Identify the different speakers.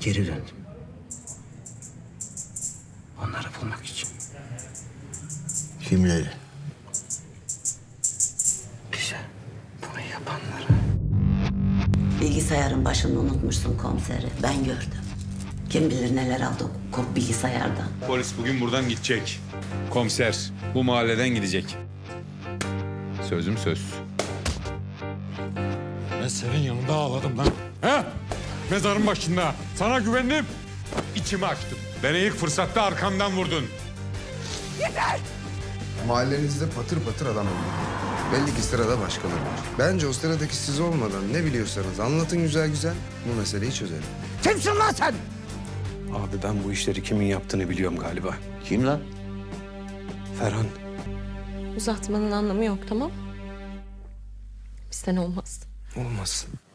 Speaker 1: geri döndüm. Onları bulmak için.
Speaker 2: Kimleri?
Speaker 1: Bize bunu yapanları.
Speaker 3: Bilgisayarın başını unutmuşsun komiseri. Ben gördüm. Kim bilir neler aldı o bilgisayardan.
Speaker 4: Polis bugün buradan gidecek. Komiser bu mahalleden gidecek. Sözüm söz.
Speaker 5: Ben senin yanında ağladım lan. He? Mezarın başında. Sana güvendim. İçimi açtım. Beni ilk fırsatta arkamdan vurdun.
Speaker 6: Mahallenizde patır patır adam öldü. Belli ki sırada başkaları var. Bence o sıradaki siz olmadan ne biliyorsanız anlatın güzel güzel. Bu meseleyi çözelim.
Speaker 1: Kimsin lan sen?
Speaker 7: Abi ben bu işleri kimin yaptığını biliyorum galiba.
Speaker 1: Kim lan?
Speaker 7: Ferhan.
Speaker 8: Uzatmanın anlamı yok, tamam? Bizden olmaz.
Speaker 7: Olmaz.